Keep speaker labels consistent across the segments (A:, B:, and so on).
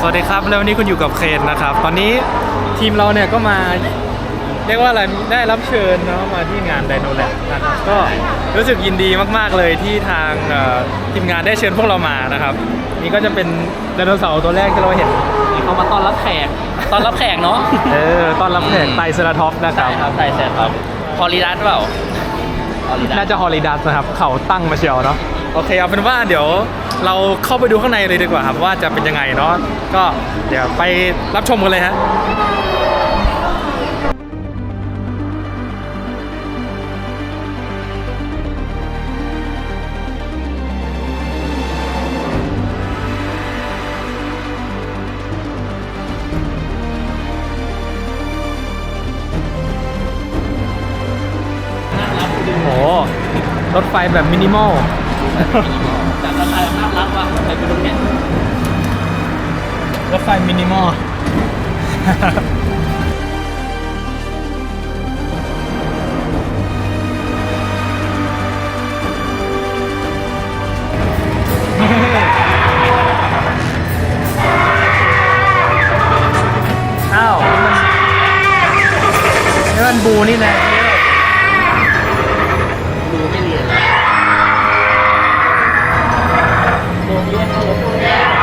A: วัสดีครับแล้ววันนี้คุณอยู่กับเคนนะครับตอนนี้ทีมเราเนี่ยก็มาเรียกว่าอะไรได้รับเชิญเนาะมาที่งานไดโนแลบนะครับก็รู้สึกยินดีมากๆเลยที่ทางทีมงานได้เชิญพวกเรามานะครับนี่ก็จะเป็นไดโนเสาร์ตัวแรกที่เราเห็น
B: เขามาต้อนรับแขกเนาะ
A: ต้อนรับแขกไตรเซราทอปส์นะครับ
B: ไตรเซราทอปส์ฮอลิดัสเปล่า
A: น่าจะฮอลิดัสนะครับเขาตั้งมาเชียวเนาะโอเคเอาเป็นว่าเดี๋ยวเราเข้าไปดูข้างในเลยดีกว่าครับว่าจะเป็นยังไงเนาะก็เดี๋ยวไปรับชมกันเลยฮะโอ้รถไฟแบบมินิมอล
B: จากรถไฟน่ารักว่ะไปดูเนี่ย
A: รถไฟมินิมอลอ้าวนี่มันบูนี่แหละ
B: ดูไม่เรียนแล้วโรงเรียนเขาลบเลย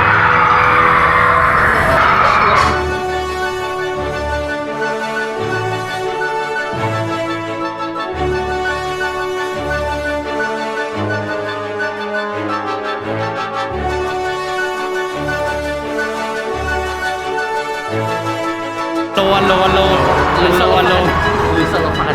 A: โลหรือโ
B: สโลฟัน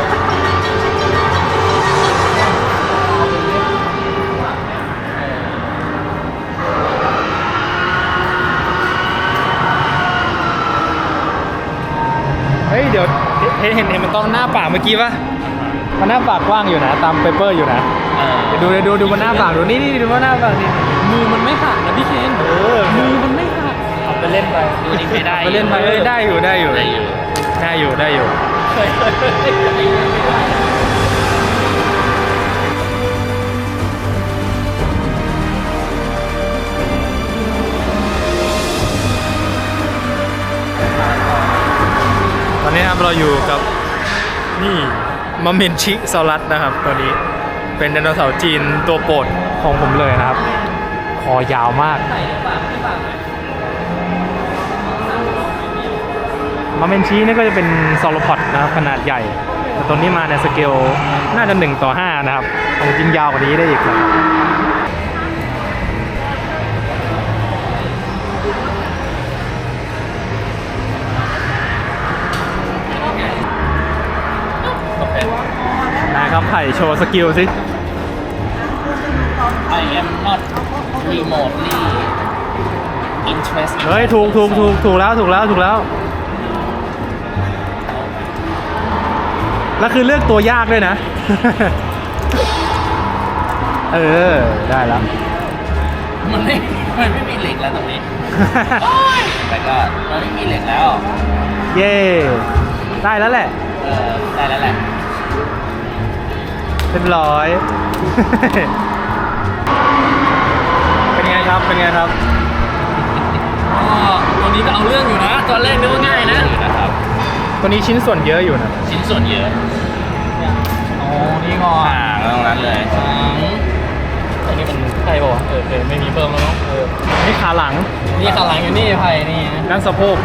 A: เฮ้ยเดี๋ยวเห็นมันต้องหน้าปากเมื่อกี้ป่ะมันหน้าปากกว้างอยู่นะตามเปเปอร์อยู่นะดูมันหน้าปากดูนี่ดูว่าหน้าปากนี่
B: มือมันไม่หักนะพี่เคนมือมันไม่หัก
A: เอาไปเล่นไป
B: ดูนี่ไม่ได้
A: ไปเล่นไปได้อยู่ตอนนี้ครับเราอยู่กับนี่มะเมนชิซอรัสนะครับตัวนี้เป็นไดโนเสาร์จีนตัวโปรดของผมเลยนะครับคอยาวมากมะเมนชินี่ก็จะเป็นซอโลพอดนะครับขนาดใหญ่แต่ตัวนี้มาในสเกลน่าจะ1:5นะครับของจริงยาวกว่านี้ได้อีกนะครับนะครับไผ่โชว์สกิลสิ
B: I am not remotely interested
A: เฮ้ยถูกแล้วแล้วคือเลือกตัวยากด้วยนะ ได้แล้ว
B: มันไม่มีเหล็กแล้วตรงนี้ แต่ก็มันไม่มีเหล็กแล้ว
A: เย่ได้แล้วแหละ
B: ได้แล้วแหละ
A: เรียบร้อย เป็นไงครับ
B: ตัวนี้ก็เอาเรื่องอยู่นะตอนแรกนึกว่าง่ายนะครับ
A: ตัวนี้ชิ้นส่วนเยอะอยู่นะ
B: ชิ้นส่วนเยอะ
A: นี่งอ
B: ตรงนั้นเลยอันนี้มันไพ่ป่าวไม่มีเพิ่มแล้วเนาะ
A: นี่ขาหลัง
B: อยู่นี่ไพ่นี่
A: ด้านสะโพก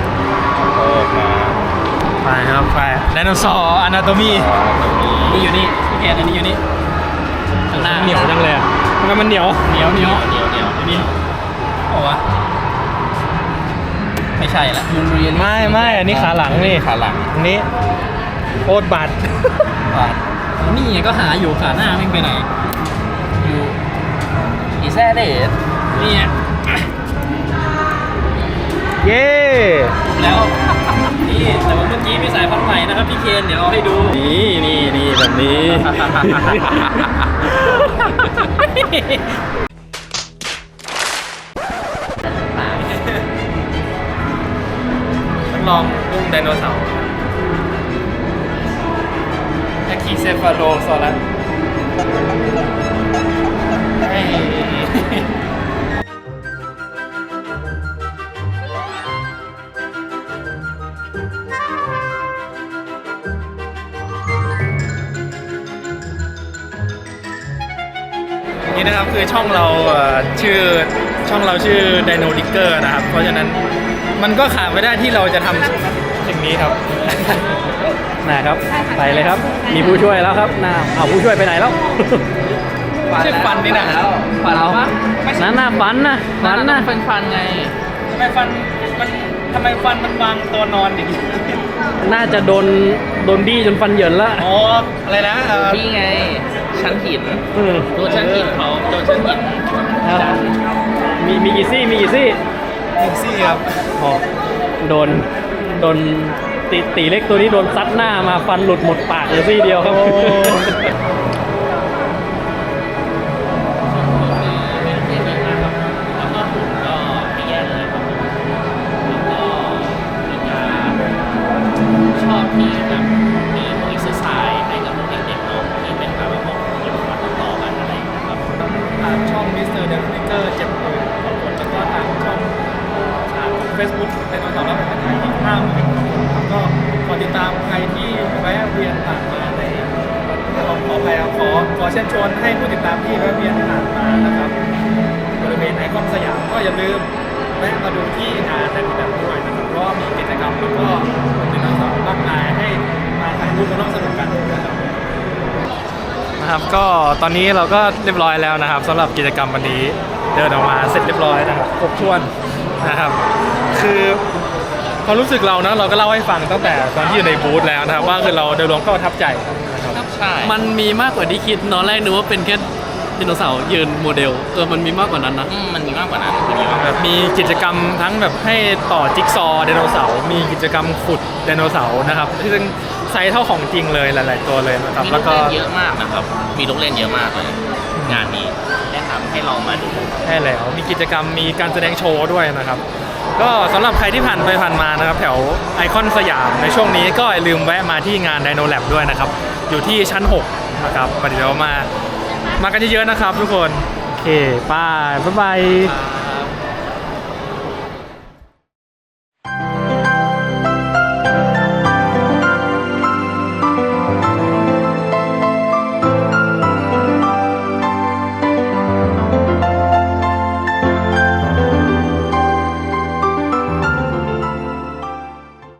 A: ไปครับไปไดโนเสาร์อนาโตมี
B: นี่อยู่นี่พี่แกอันนี้อยู่นี่ข้างหน้า
A: เหนียวจังเลยทำไมมันเหนียว
B: นี่โอ้วะไม่ใช่ละ
A: ไม่อันนี้ขาหลังนี่อันนี้โคตรบาด
B: นี่ก็หาอยู่ขาหน้าไม่ไปไหนอยู่อีแซ่เดชนี่
A: เย้
B: แล้วนี่แต่ว่าเมื่อกี้มีสายพันธุ์ใหม่นะครับพี่เคนเดี๋ยวเอาให้ดูนี่แบบนี้
A: ต้องลองอุ้มไดโนเสาร์คีเซฟาโลซอรัส
B: เ
A: นะครับคือช่องเราชื่อDino Digger นะครับเพราะฉะนั้นมันก็ขาดไม่ได้ที่เราจะทำสิ่งนี้ครับ
C: นะครับไปเลยครับ มีผู้ช่วยแล้วครับเอาผู้ช่วยไปไหนแล้ว
A: ชื่อฟันนี่นะ
B: ฟันเอาปะ
C: นั่นน่ะฟันนะฟันนะ
B: เป็นฟันไง
A: ทำไมฟันมันวางตัวนอนอย่างนี้
C: น่าจะโดนดี้จนฟันเหยินละ
A: อ๋ออะไรนะ
B: นี่ไง ชั้นหิน
C: อืม
B: โดนชั้นหินเขาโดนชั้นหิน
C: ครับมีกี่ซี่
A: หนึ่งซี่ครับ
C: อ๋อโดนตีเล็กตัวนี้โดนซัดหน้ามาฟันหลุดหมดปากเลยซี่เดียวครับ
B: แล้วก็หุ่นก็ไม่แย่เลยครับผมแล้วก็มีการชอบที่แบบมีพวกเอ็กซ์ไซส์ให้กับพวกเด็กๆเนาะที่เป็นแบบว่าพวกยิมมาต่อๆกันอะไรอย่างเงี้ยครับ
A: ทางช่องมิสเตอร์เดนนิเกอร์70,000คนแล้วก็ทางช่องเฟซบุ๊กเป็นตอนรับเป็นไทยอีก50,000คนครับก็ขอติดตามใครที่แวะเวียนผ่านมาในขอไปขอเชิญชวนให้ผู้ติดตามที่แวะเวียนผ่านมานะครับบริเวณไอคอนสยามก็อย่าลืมแวะมาดูที่งานในแบบด้วยนะครับเพราะว่ามีกิจกรรมแล้วก็มีน้องๆมากมายให้มาถ่ายรูปมาร่วมสนุกกันนะครับ นะครับก็ตอนนี้เราก็เรียบร้อยแล้วนะครับสำหรับกิจกรรมวันนี้เดินออกมาเสร็จเรียบร้อยนะครับครบถ้วนนะครับคือความรู้สึกเรานะเราก็เล่าให้ฟังตั้งแต่ตอนที่อยู่ในบูธแล้วนะครับว่าคือเราโดยรวมก็ประทับใจนะครับ
B: ใช่
C: มันมีมากกว่าที่คิดตอนแรกนึกว่าเป็นแค่ไดโนเสาร์ยืนโมเดลมันมีมากกว่านั้นนะ
B: มันมีมากกว่านั้นมันมีมากกว่า
A: แบบมีกิจกรรมทั้งแบบให้ต่อจิ๊กซอว์ไดโนเสาร์มีกิจกรรมขุดไดโนเสาร์นะครับที่ซึ่งไซส์เท่าของจริงเลยหลายๆตัวเลยนะครับ
B: มี
A: แล้
B: ลู
A: ว
B: ก
A: ก็
B: เล่นเยอะมากนะครับ มีลูกเล่นเยอะมากเลย งานนี้แนะนำให้ลองมาดู
A: ใช่แล้วมีกิจกรรมมีการแสดงโชว์ด้วยนะครับ ก็สำหรับใครที่ผ่านไปผ่านมานะครับแถวไอคอนสยามในช่วงนี้ก็อย่าลืมแวะมาที่งาน Dino Lab ด้วยนะครับอยู่ที่ชั้น 6 นะครับเดี๋ยวมากันเยอะๆนะครับทุกคนโอเคบ๊ายบาย